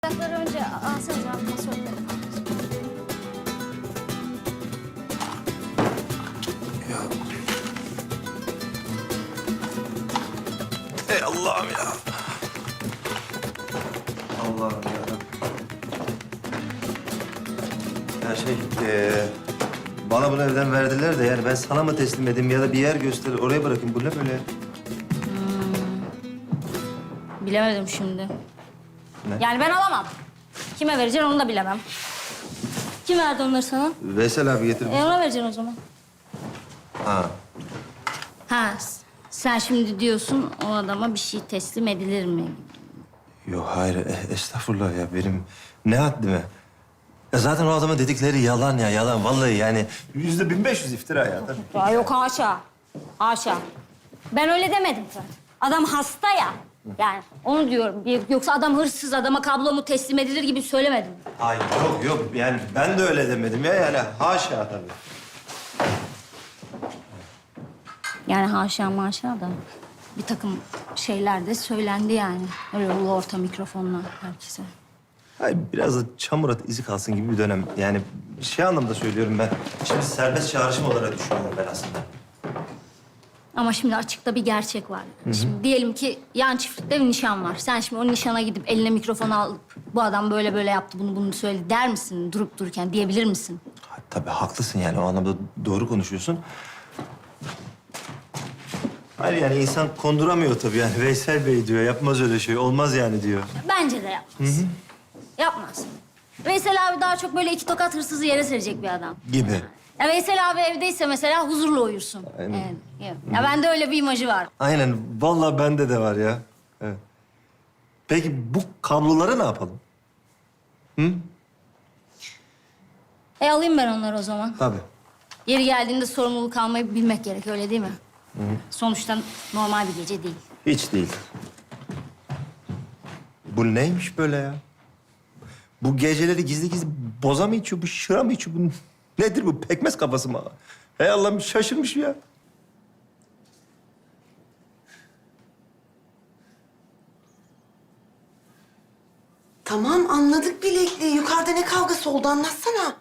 Bardakları önce alsanız abi masörde. Ya. Ey Allah'ım ya. Allah'ım ya. Ya bana bunu evden verdiler de yani ben sana mı teslim edeyim ya da bir yer göster oraya bırakayım. Bu ne böyle? Bilemedim şimdi. Ne? Yani ben alamam. Kime vereceksin onu da bilemem. Kim verdi onları sana? Veysel abi getir. Ona vereceksin o zaman. Ha. Ha, sen şimdi diyorsun o adama bir şey teslim edilir mi? Yok hayır estağfurullah ya benim ne haddime. Ya zaten o adamın dedikleri yalan ya yalan vallahi yani %1500 iftira ya tabii. Ya yok haşa. Haşa. Ben öyle demedim zaten. Adam hasta ya. Yani onu diyorum. Yoksa adam hırsız, adama kablomu teslim edilir gibi söylemedim. Hayır yok yani ben de öyle demedim ya yani haşa tabii. Yani haşa maşa da bir takım şeyler de söylendi yani. Öyle ulu orta mikrofonla herkese. Hayır biraz da çamur at izi kalsın gibi bir dönem. Yani şey anlamda söylüyorum ben. Şimdi serbest çağrışım olarak düşünüyorum ben aslında. Ama şimdi açıkta bir gerçek var. Şimdi diyelim ki yan çiftlikte bir nişan var. Sen şimdi o nişana gidip eline mikrofonu alıp bu adam böyle böyle yaptı bunu söyledi der misin durup dururken diyebilir misin? Ha, tabii haklısın yani o anlamda doğru konuşuyorsun. Hayır yani insan konduramıyor tabii yani. Veysel Bey diyor yapmaz öyle şey olmaz yani diyor. Bence de yapmaz. Yapmaz. Veysel abi daha çok böyle iki tokat hırsızı yere serecek bir adam. Gibi. Ya Veysel abi evdeyse mesela huzurla uyursun. Aynen. Evet. Ya bende öyle bir imajı var. Aynen vallahi bende de var ya. Evet. Peki bu kabloları ne yapalım? Alayım ben onları o zaman. Tabii. Yeri geldiğinde sorumluluk almayı bilmek gerek, öyle değil mi? Sonuçta normal bir gece değil. Hiç değil. Bu neymiş böyle ya? Bu geceleri gizli gizli boza mı içiyor, bu şıra mı içiyor? Bu nedir bu? Pekmez kafası mı? Hey Allah'ım şaşırmış ya. Tamam anladık bilekli. Yukarıda ne kavgası oldu anlatsana.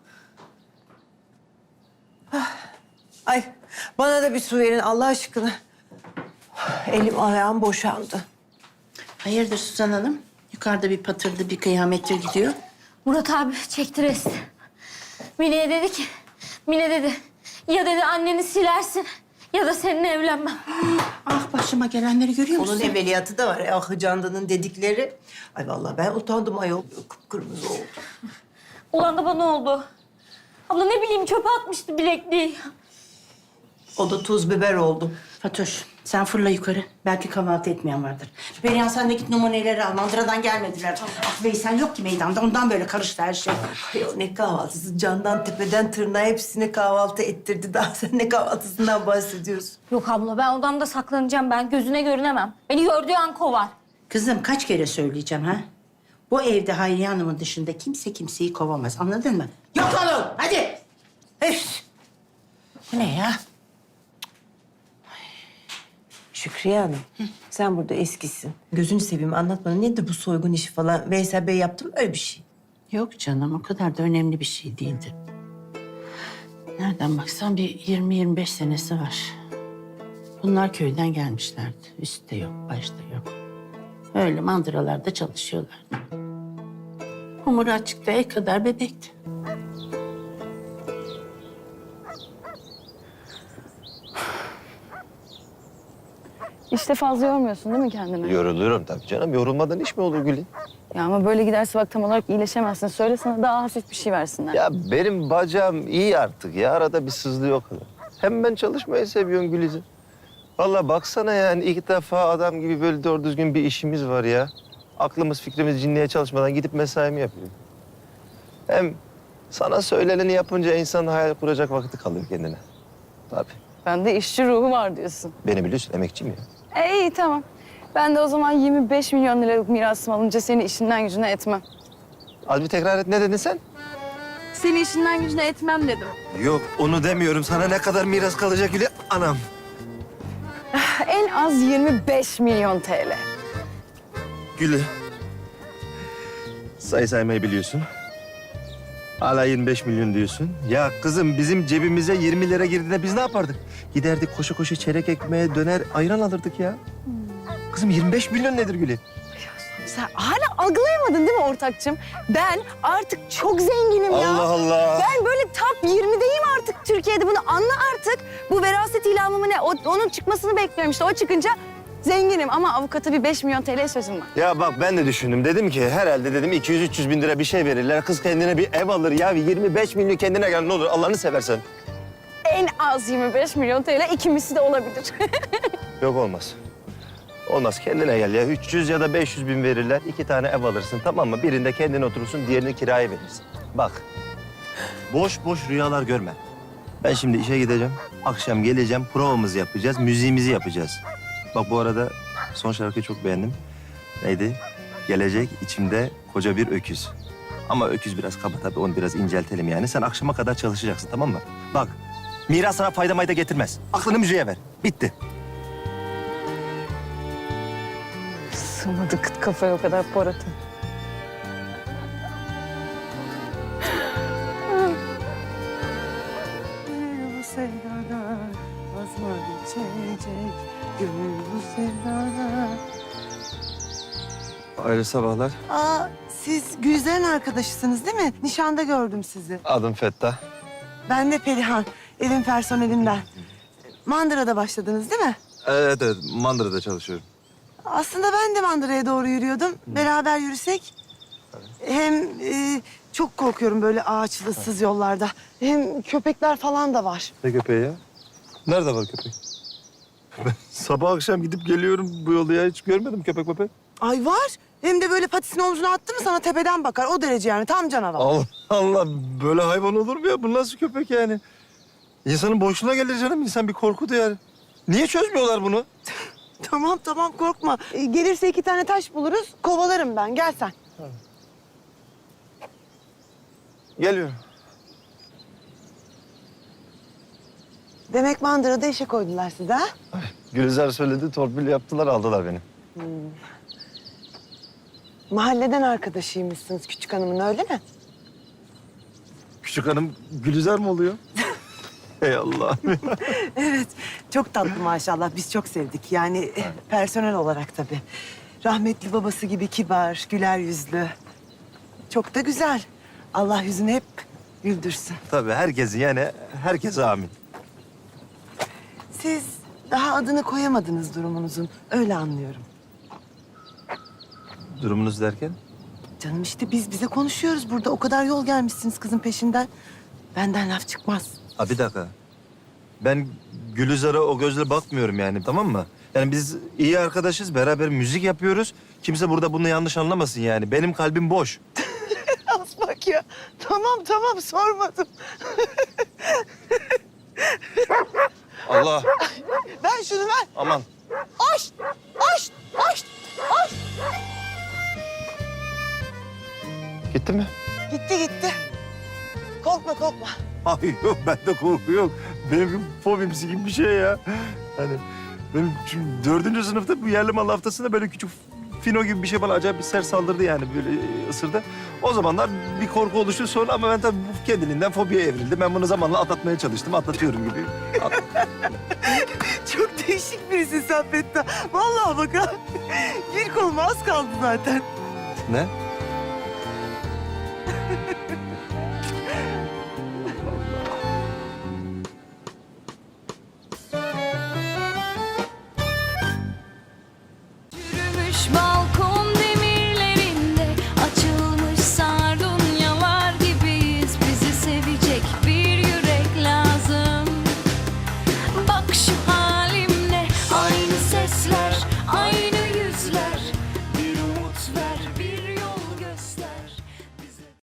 Ay bana da bir su verin Allah aşkına. Elim ayağım boşaldı. Hayırdır Suzan Hanım? Yukarıda bir patırdı, bir kıyamettir gidiyor. Murat abi çekti resti. Mine'ye dedi ki, Mine dedi, ya dedi anneni silersin ya da seninle evlenmem. Ah başıma gelenleri görüyor musun? Onun evveliyatı da var. Ah Candan'ın dedikleri. Ay vallahi ben utandım ayol. Kıpkırmızı oldu. Ulan da bana oldu. Abla ne bileyim çöpe atmıştı bilekliği. O da tuz biber oldu. Fatoş, sen fırla yukarı. Belki kahvaltı etmeyen vardır. Perihan sen de git numuneleri al. Mandıradan gelmediler. Ah Veysel yok ki meydanda. Ondan böyle karıştı her şey. Ayol ne kahvaltısı? Candan tepeden tırnağa hepsini kahvaltı ettirdi. Daha sen ne kahvaltısından bahsediyorsun? Yok abla ben odamda saklanacağım, ben gözüne görünemem. Beni gördüğü an kovar. Kızım kaç kere söyleyeceğim ha? Bu evde Hayriye Hanım'ın dışında kimse kimseyi kovamaz. Anladın mı? Yok olun. Hadi. Üf. Bu ne ya? Şükriye Hanım, sen burada eskisin. Gözünü seveyim anlat bana. Nedir bu soygun işi falan? Veysel Bey yaptı mı öyle bir şey? Yok canım, o kadar da önemli bir şey değildi. Nereden baksan bir 20-25 senesi var. Bunlar köyden gelmişlerdi. Üstte yok, başta yok. Öyle mandıralarda çalışıyorlardı. Umuru açıkta el kadar bebekti. İşte fazla yormuyorsun değil mi kendini? Yoruluyorum tabii canım. Yorulmadan iş mi olur Gül'ün? Ya ama böyle giderse bak tam olarak iyileşemezsin. Söyle sana daha hafif bir şey versinler. Ya benim bacağım iyi artık ya. Arada bir sızlıyor o kadar. Hem ben çalışmayı seviyorum Güliz'im. Vallahi baksana yani ilk defa adam gibi böyle doğru düzgün bir işimiz var ya. Aklımız fikrimiz cinliğe çalışmadan gidip mesaimi yapıyorum. Hem sana söyleneni yapınca insan hayal kuracak vakti kalıyor kendine. Tabii. Bende işçi ruhu var diyorsun. Beni biliyorsun emekçiyim ya. İyi tamam. Ben de o zaman 25 milyon liralık mirasım alınca seni işinden gücüne etmem. Az bir tekrar et ne dedin sen? Seni işinden gücüne etmem dedim. Yok onu demiyorum. Sana ne kadar miras kalacak Gül'e? Anam. En az 25 milyon TL. Gül'e. Sayı saymayı biliyorsun. Hala 25 milyon diyorsun. Ya kızım bizim cebimize 20 lira girdiğinde biz ne yapardık? Giderdik koşa koşa çeyrek ekmeğe döner ayran alırdık ya. Kızım 25 milyon nedir Gülü? Sen hala algılayamadın değil mi ortakçım? Ben artık çok zenginim ya. Allah Allah. Ben böyle top 20'deyim artık Türkiye'de. Bunu anla artık. Bu veraset ilamı mı ne? Onun çıkmasını bekliyorum işte. O çıkınca zenginim ama avukata bir 5 milyon TL sözüm var. Ya bak ben de düşündüm. Dedim ki herhalde dedim 200-300 bin lira bir şey verirler. Kız kendine bir ev alır ya. 25 milyon kendine gel ne olur Allah'ını seversen. En az 25 milyon TL ikimisi de olabilir. Yok olmaz. Olmaz kendine gel ya. 300 ya da 500 bin verirler. 2 tane ev alırsın tamam mı? Birinde kendin oturursun diğerini kiraya verirsin. Bak boş boş rüyalar görme. Ben şimdi işe gideceğim. Akşam geleceğim provamızı yapacağız. Müziğimizi yapacağız. Bak bu arada son şarkıyı çok beğendim. Neydi? Gelecek içimde koca bir öküz. Ama öküz biraz kaba tabii onu biraz inceltelim yani. Sen akşama kadar çalışacaksın tamam mı? Bak miras sana fayda mayda getirmez. Aklını müziğe ver. Bitti. Sığmadı kıt kafaya o kadar Polat'ım. Bu sevdada vazgeçecek gönül bu sevdada. Hayırlı sabahlar. Aa, siz Gülizar'ın arkadaşısınız değil mi? Nişanda gördüm sizi. Adım Fettah. Ben de Perihan, evin personelinden. Mandıra'da başladınız değil mi? Evet, Mandıra'da çalışıyorum. Aslında ben de Mandıra'ya doğru yürüyordum. Beraber yürüsek. Hem çok korkuyorum böyle ağaçlı, ıssız yollarda. Hem köpekler falan da var. Ne köpeği ya? Nerede var köpek? Ben sabah akşam gidip geliyorum bu yolda ya. Hiç görmedim köpek. Ay var. Hem de böyle patisini omzuna attı mı sana tepeden bakar. O derece yani tam canavar. Allah Allah. Böyle hayvan olur mu ya? Bu nasıl köpek yani? İnsanın boşluğuna gelir canım. İnsan bir korku duyar. Niye çözmüyorlar bunu? Tamam korkma. Gelirse 2 tane taş buluruz. Kovalarım ben. Gel sen. Geliyorum. Demek Mandıra'da işe koydular sizi ha? Gülizar söyledi, torpil yaptılar, aldılar beni. Mahalleden arkadaşıymışsınız küçük hanımın öyle mi? Küçük hanım Gülizar mı oluyor? Ey Allah. Evet. Çok tatlı maşallah. Biz çok sevdik. Yani personel olarak tabii. Rahmetli babası gibi kibar, güler yüzlü. Çok da güzel. Allah yüzünü hep güldürsün. Tabii herkese amin. Siz daha adını koyamadınız durumunuzun. Öyle anlıyorum. Durumunuz derken? Canım işte biz bize konuşuyoruz burada. O kadar yol gelmişsiniz kızın peşinden. Benden laf çıkmaz. Ha bir dakika. Ben Gülizar'a o gözle bakmıyorum yani tamam mı? Yani biz iyi arkadaşız, beraber müzik yapıyoruz. Kimse burada bunu yanlış anlamasın yani. Benim kalbim boş. Az bak ya. Tamam sormadım. Allah. Ver şunu ver. Aman. Aç. Gitti mi? Gitti. Korkma. Ay yok bende korku yok. Benim bir fobimsi gibi bir şey ya. Hani benim şimdi 4. sınıfta bu yerli mal haftasında böyle küçük fino gibi bir şey bana acayip bir sert saldırdı yani böyle ısırdı. O zamanlar bir korku oluştu sonra ama ben tabii bu kendiliğinden fobiye evrildi. Ben bunu zamanla atlatmaya çalıştım. Atlatıyorum gibi. Çok değişik birisin sen Fettah. Vallahi bak ha. Gir koluma az kaldı zaten. Ne?